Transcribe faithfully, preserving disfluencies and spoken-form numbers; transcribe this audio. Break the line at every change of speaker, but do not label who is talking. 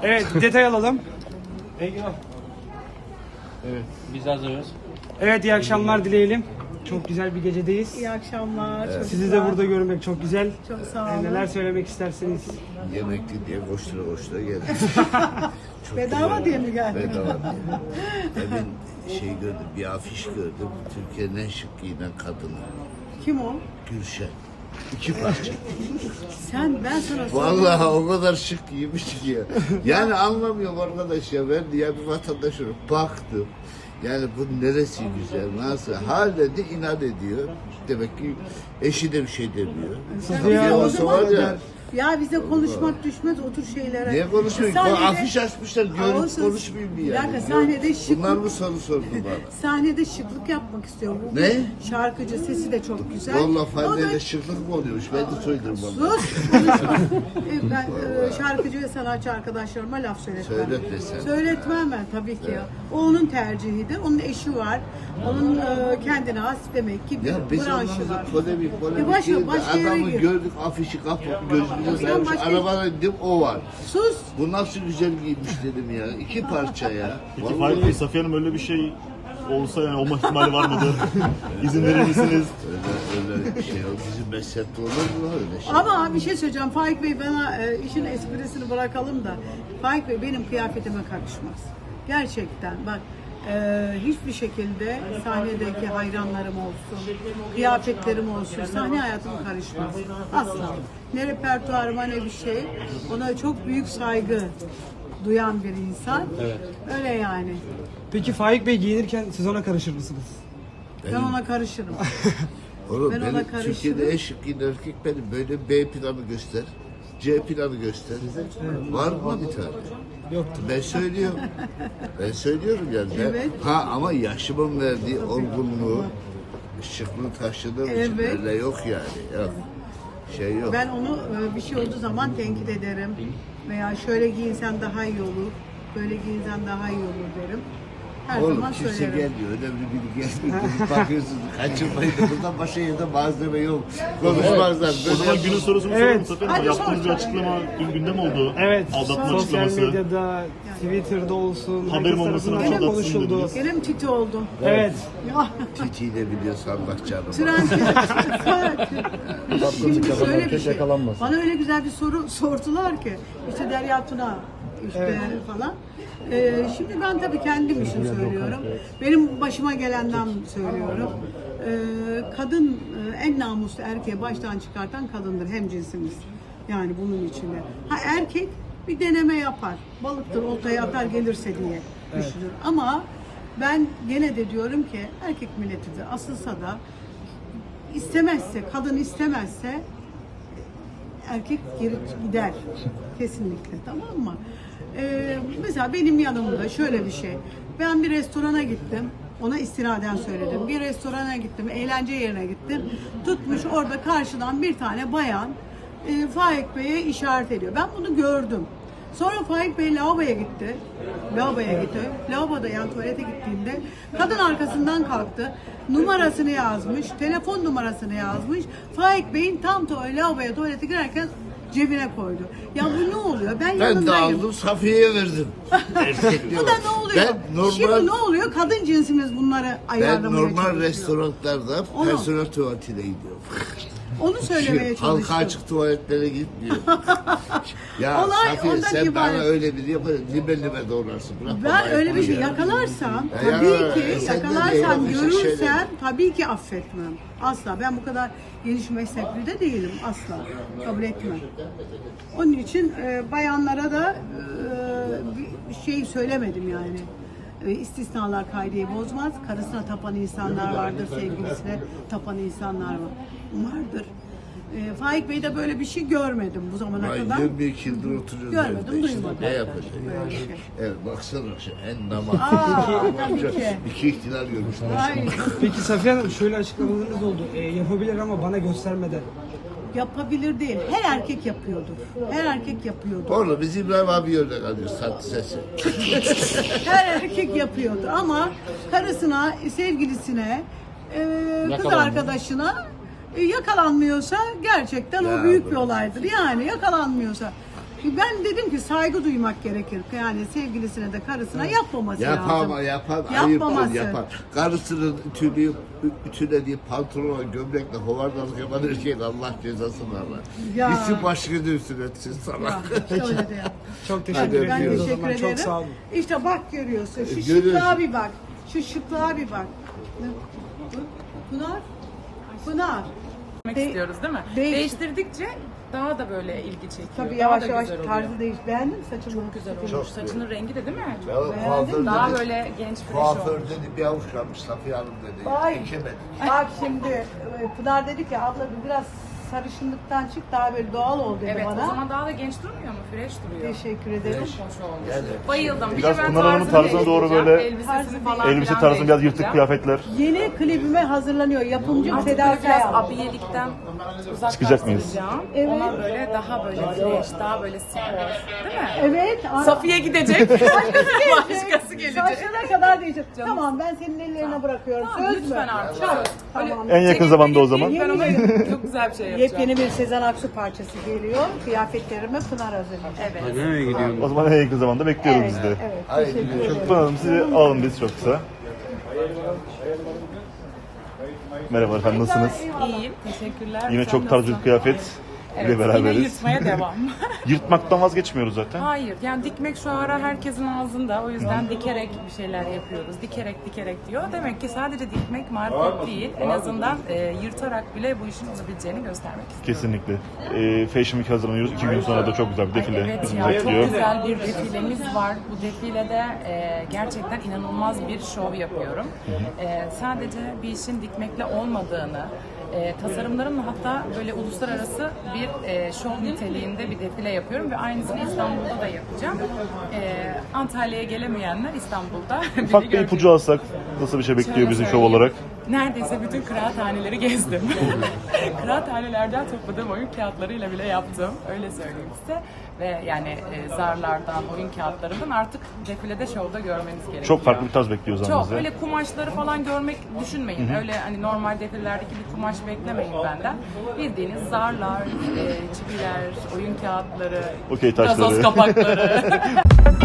Evet, detay alalım.
Evet, biz hazırız.
Evet, iyi akşamlar dileyelim. Çok güzel bir gecedeyiz.
İyi akşamlar. çocuklar.
Sizi de burada görmek çok güzel.
Çok sağ
Ee,
olun.
Neler söylemek istersiniz?
Yemekli diye koştura koştura geldim. Çok
Bedava
güzel.
diye mi geldin?
Bedava diye. Demin şey gördüm, bir afiş gördüm. Türkiye'nin en şık giyinen kadını.
Kim o?
Gülşen. İki parça.
Sen, ben sana sordum.
Vallahi o kadar şık giymiş ki ya. Yani anlamıyorum arkadaş ya. Ben ya bir vatandaş olarak baktım. Yani bu neresi güzel, nasıl? Hala de inat ediyor. Demek ki eşi de bir şey demiyor.
Sen
Tabii ya,
bize
o
o
zaman
zaman
ya.
ya bize konuşmak düşmez o tür şeylere.
Niye konuşmuyorsun?
Sahnede-
Afiş açmışlar, görüp
Olsun.
konuşmayayım diye.
Bir
Yani.
dakika, sahnede şık-
Bunlar mı soru sordu bana?
Sahnede şıklık yapmak istiyor. Bu
Ne?
Şarkıcı, sesi de çok güzel.
Vallahi
O da-
Fadile'de şıklık mı oluyormuş? Ben de söyledim bana.
Sus! konuşma. E, ben e, şarkıcı ve sanatçı arkadaşlarıma laf söyletmem.
Söyletme sen.
Söyletmem ben tabii ki ya. O onun tercihidir. Onun eşi var. Onun e, kendine has demek ki bir
Ya biz
branşı
onlarla
var.
polemik polemik
E başka-
değil de
başka yere
adamı
gir.
gördük afişi kapatıp gözümüze saymış.
başka-
Arabana indim o var.
Sus!
Bu nasıl güzel giymiş dedim ya. İki parça ya.
Peki
Vallahi
Faik Bey, Safiye Hanım öyle bir şey olsa yani olma ihtimali var mıdır? İzin verir misiniz?
öyle, öyle bir şey yok. Bizim meslekte olur mu öyle şey?
Ama bir şey söyleyeceğim. Faik Bey bana e, işin esprisini bırakalım da Faik Bey benim kıyafetime karışmaz. Gerçekten bak e, hiçbir şekilde sahnedeki hayranlarım olsun, kıyafetlerim olsun, sahne hayatıma karışmaz. Asla. Ne repertuarıma ne bir şey. Ona çok büyük saygı duyan bir insan.
Evet.
Öyle yani.
Peki Faik Bey giyinirken siz ona karışır mısınız?
Ben ona karışırım.
Oğlum
Ben ona
benim
karışırım.
Türkiye'de en şık giyinen erkek benim. Böyle B planı göster. C planı göster. Var mı bir tane?
Yoktur.
Ben söylüyorum. Ben söylüyorum yani. Ben-
Evet.
Ha ama yaşımın verdiği olgunluğu, şıklığı taşıdığım için
Evet.
öyle yok yani. Yok. Şey yok.
Ben onu e, bir şey olduğu zaman tenkit ederim. Veya şöyle giyinsen daha iyi olur, böyle giyinsen daha iyi olur derim. Her
Oğlum
zaman
kimse
söylerim.
gelmiyor. Önemli biri gelmiyor. Dönüp bakıyorsunuz. Kaçırmayın. Buradan başka yerde malzeme yok. Konuşmazlar.
O
Böyle
zaman günün sorusunu
Evet.
soralım Safiye Hanım.
Hadi
Yaptığınız
sor.
bir açıklama dün gündem oldu.
Evet,
Aldatma
sosyal
açıklaması.
medyada, Twitter'da olsun,
Haberim
herkes
olmasına
tarafından çok
aldatsın
konuşuldu.
dediniz.
Gene mi titi oldum?
Evet.
Ya,
Titi'yi de biliyorsa Allah canım.
tren Şimdi şöyle bir şey. Bana öyle güzel bir soru sordular ki işte Derya Tuna işte falan. Ee, şimdi ben tabii kendim için söylüyorum. Benim başıma gelenden söylüyorum. Ee, kadın e, en namuslu erkeği baştan çıkartan kadındır hemcinsimiz. Yani bunun içinde. Ha erkek bir deneme yapar. Balıktır oltaya atar gelirse diye düşünür. Ama ben gene de diyorum ki erkek milletidir. Asılsa da istemezse, kadın istemezse erkek geri gider. Kesinlikle, tamam mı? Ee, mesela benim yanımda şöyle bir şey. Ben bir restorana gittim. Ona istinaden söyledim. Bir restorana gittim, eğlence yerine gittim. Tutmuş orada karşıdan bir tane bayan e, Faik Bey'e işaret ediyor. Ben bunu gördüm. Sonra Faik Bey lavaboya gitti. Lavaboya gitti. Lavaboda yani tuvalete gittiğinde kadın arkasından kalktı. Numarasını yazmış. Telefon numarasını yazmış. Faik Bey'in tam tuvalete, lavaboya tuvalete girerken cebine koydu. Ya bu ne oluyor? Ben,
Ben de
yanındayım.
aldım Safiye'ye verdim. Erkekliği
Bu da
var.
ne oluyor?
Ben normal,
Şimdi ne oluyor? Kadın cinsimiz bunları
ben
ayarlamaya
normal
çalışıyor.
restoranlarda
Onu-
personel tuvaletine gidiyorum.
Onu söylemeye
Halka
çalıştım.
açık tuvaletlere gitmiyor. ya
Olay
Safiye
ondan
sen
ibaret.
bana öyle bir yapar, libe libe doğrarsın. Bırak
Ben
bana
öyle bir şey
ya.
yakalarsam,
Ya
tabii
ya,
ki
sen de
yakalarsam,
değil, işte
görürsem
şeyler.
tabii ki affetmem. Asla. Ben bu kadar geniş mezhepli de değilim. Asla. Kabul etmem. Onun için e, bayanlara da e, bir şey söylemedim yani. E, istisnalar kaideyi bozmaz. Karısına tapan insanlar vardır, sevgilisine tapan insanlar var. Vardır. E, Faik Bey'de böyle bir şey görmedim bu zamana
Ay,
kadar.
yirmi iki yıldır oturuyoruz.
Görmedim,
evde işte.
duymadım.
Ne yapacak?
Böyle bir şey.
Evet baksana şu en namaz.
Aa, tabii ki.
İki ihtilal görmüşler.
Ay,
Peki Safiye Hanım şöyle açıklamalarınız oldu. E, yapabilir ama bana göstermeden.
yapabilir değil. Her erkek yapıyordur. Her erkek yapıyordur.
Orada biz İbrahim abi örnek alıyoruz tatlı sesi.
Her erkek yapıyordur ama karısına, sevgilisine, e, kız
Yakalanmıyor.
arkadaşına e, yakalanmıyorsa gerçekten
Ya
o büyük bir
bırak.
olaydır. Yani yakalanmıyorsa. Ben dedim ki saygı duymak gerekir. Yani sevgilisine de karısına yapmaması
Yapar
lazım.
ama yapar,
Yapmaması.
ayıptır yapar. Karısının ütüleyip, ütülediği pantolona, gömlekle hovardalık yapan erkeğin Allah cezasını alır.
Ya.
Gitsin başını üstüne etsin sana.
Ya, işte öyle de yap.
Çok teşekkür
Hadi
Ben
ediyoruz o
teşekkür
zaman.
ederim.
Çok sağ olun.
İşte bak görüyorsun. Şu
Görüyorsun.
şıklığa bir bak. Şu şıklığa bir bak. Pınar. Pınar.
Demek
De-
istiyoruz değil mi?
değiş-
Değiştirdikçe daha da böyle ilgi çekiyor.
Tabii
daha
yavaş
da
yavaş
güzel oluyor.
tarzı değiş. Beğendin mi saçımı?
Çok güzel olmuş. Saçının rengi de değil mi?
Ya kuaför
Daha
dedi,
böyle genç fresh
kuaför
olmuş.
dedi bir avuç kalmış Safiye Hanım dedi.
Vay.
Dikemedik.
Bak şimdi e, Pınar dedi ki abla bir biraz sarışınlıktan çık daha böyle doğal ol dedi
Evet,
bana.
o zaman daha da genç durmuyor mu? Fresh duruyor.
Teşekkür ederim.
Hoş olmuş.
Yani.
Bayıldım. Bir
Biraz
de ben
Pınar Hanım'ın
tarzını
tarzına doğru
değiştireceğim.
böyle
Elbisesini falan
elbise
filan
tarzında biraz yırtık
değiştireceğim.
kıyafetler.
Yeni klibime hazırlanıyor. Yapımcım
Artık
Seda
böyle biraz
Sayan.
abiyelikten
Çıkacak mıyız?
uzaklaştıracağım.
Evet.
Ona böyle daha böyle fresh, daha böyle spor. Değil mi?
Evet. ara-
Safiye gidecek. Başkası gelecek.
Saçlarına kadar diyeceğim. Tamam ben senin ellerine bırakıyorum.
Tamam,
Söz mü?
lütfen artık.
Tamam.
Söz.
Tamam.
En yakın zamanda o zaman.
Ben ona çok güzel bir şey yapacağım.
Yepyeni bir Sezen Aksu parçası geliyor. Kıyafetlerime Pınar hazırlayacak.
Evet.
Nereye gidiyorum?
O zaman en yakın zamanda bekliyoruz
Evet,
biz de.
evet.
Haydi
Teşekkür
görüşürüz.
ederim.
Pınar Hanım sizi alalım biz çok kısa. Merhaba efendim nasılsınız?
İyiyim. Teşekkürler.
Yine
Sen
çok tarzı bir
nasılsın?
kıyafet
Evet,
ile
yine
beraberiz.
yırtmaya devam.
Yırtmaktan vazgeçmiyoruz zaten.
Hayır, yani dikmek şu ara herkesin ağzında. O yüzden dikerek bir şeyler yapıyoruz. Dikerek dikerek diyor. Demek ki sadece dikmek marifet değil. En azından e, yırtarak bile bu işin olabileceğini göstermek istiyorum.
Kesinlikle. Ee, Fashion Week hazırlanıyoruz. İki gün sonra da çok güzel bir defile
Evet
bizi
ya, çok
bekliyor.
güzel bir defilemiz var. Bu defilede e, gerçekten inanılmaz bir şov yapıyorum. E, sadece bir işin dikmekle olmadığını, e, tasarımlarımla hatta böyle uluslararası bir e, şov niteliğinde bir defile yapıyorum ve aynısını İstanbul'da da yapacağım. E, Antalya'ya gelemeyenler İstanbul'da beni
Ufak bir
görecek.
ipucu alsak nasıl bir şey bekliyor
Şöyle
bizi şov
söyleyeyim.
olarak?
Neredeyse bütün kıraathaneleri gezdim. Kıraathanelerden topladığım oyun kağıtlarıyla bile yaptım. Öyle söyleyeyim size. Ve yani e, zarlardan, oyun kağıtlarından artık defilede, şovda görmeniz gerekiyor.
Çok farklı bir tarz bekliyor o zaman
Çok.
bizi.
Öyle kumaşları falan görmek düşünmeyin. Öyle hani normal defilelerdeki bir kumaş beklemeyin benden. Bildiğiniz zarlar, e, çipiler, oyun kağıtları,
Okey taşları.
gazoz kapakları.